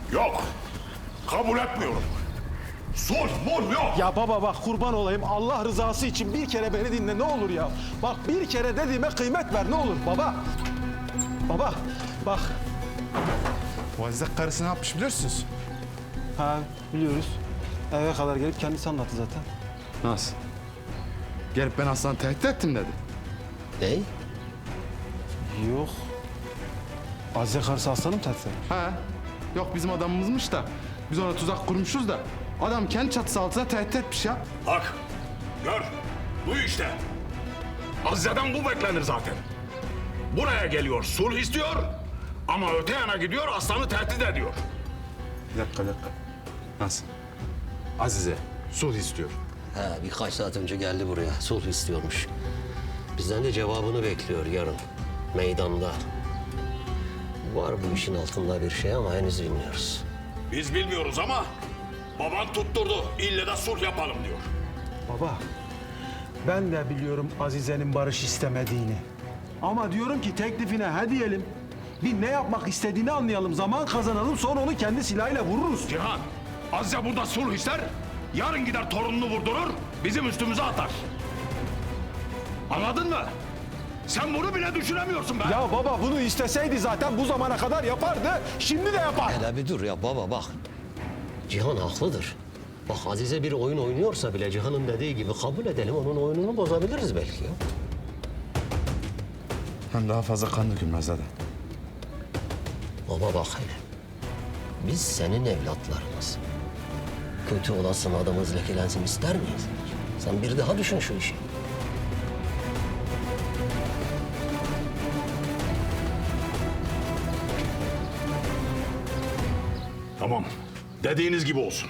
Yok. Kabul etmiyorum. Sulh yok. Ya baba bak kurban olayım Allah rızası için bir kere beni dinle ne olur ya. Bak bir kere dediğime kıymet ver ne olur baba. Baba bak. Bu Azize karısı ne yapmış biliyorsunuz? Ha biliyoruz. Eve kadar gelip kendisi anlattı zaten. Nasıl? Gelip ben Aslan'ı tehdit ettim dedi. Ne? Yok. Azize karısı aslanım tehdit. Ha? Yok bizim adamımızmış da biz ona tuzak kurmuşuz da adam kendi çatısı altına tehdit etmiş ya. Bak. Gör. Duy işte. Azize'den bu beklenir zaten. Buraya geliyor, sulh istiyor. Ama öte yana gidiyor, aslanı tehdit ediyor. Bir dakika. Nasıl? Azize sulh istiyor. Ha, birkaç saat önce geldi buraya. Sulh istiyormuş. Bizden de cevabını bekliyor yarın. Meydanda. Var bu işin altında bir şey ama henüz bilmiyoruz. Biz bilmiyoruz ama baban tutturdu. İlle de sulh yapalım diyor. Baba ben de biliyorum Azize'nin barış istemediğini. Ama diyorum ki teklifine he diyelim. Bir ne yapmak istediğini anlayalım. Zaman kazanalım sonra onu kendi silahıyla vururuz. Cihan, Azize burada sulh ister. Yarın gider torununu vurdurur, bizim üstümüze atar. Anladın mı? Sen bunu bile düşünemiyorsun be. Ya baba bunu isteseydi zaten bu zamana kadar yapardı. Şimdi de yapar. Hele bir dur ya baba bak. Cihan haklıdır. Bak Azize bir oyun oynuyorsa bile Cihan'ın dediği gibi kabul edelim. Onun oyununu bozabiliriz belki ya. Hem daha fazla kan dökülmez zaten. Baba bak hele. Biz senin evlatlarımız. Kötü olasın adamız lekelensin ister miyiz? Sen bir daha düşün şu işi. Tamam, dediğiniz gibi olsun.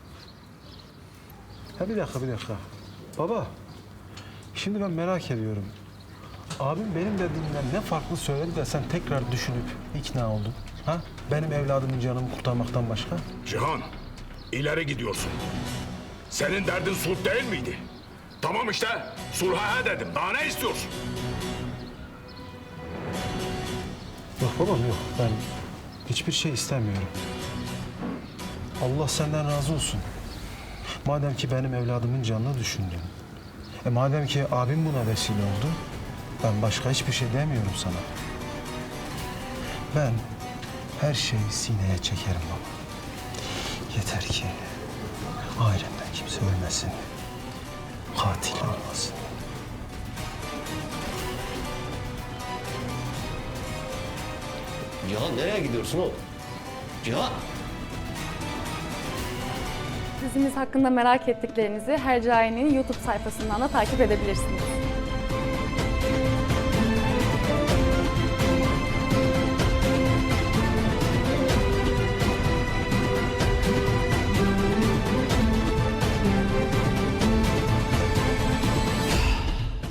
Ha bir dakika. Baba şimdi ben merak ediyorum. Abim benim dediğimden ne farklı söyledi de sen tekrar düşünüp ikna oldun. Ha? Benim evladımın canımı kurtarmaktan başka. Cihan, ileri gidiyorsun. Senin derdin sulh değil miydi? Tamam işte, sulha he dedim. Daha ne istiyorsun? Yok babam yok. Ben hiçbir şey istemiyorum. Allah senden razı olsun. Madem ki benim evladımın canını düşündün. Madem ki abim buna vesile oldu. Ben başka hiçbir şey demiyorum sana. Ben her şeyi sineye çekerim baba. Yeter ki ailemden kimse ölmesin. Katil olmasın. Cihan nereye gidiyorsun oğlum? Cihan! Dizimiz hakkında merak ettiklerinizi Hercai'nin YouTube sayfasından da takip edebilirsiniz.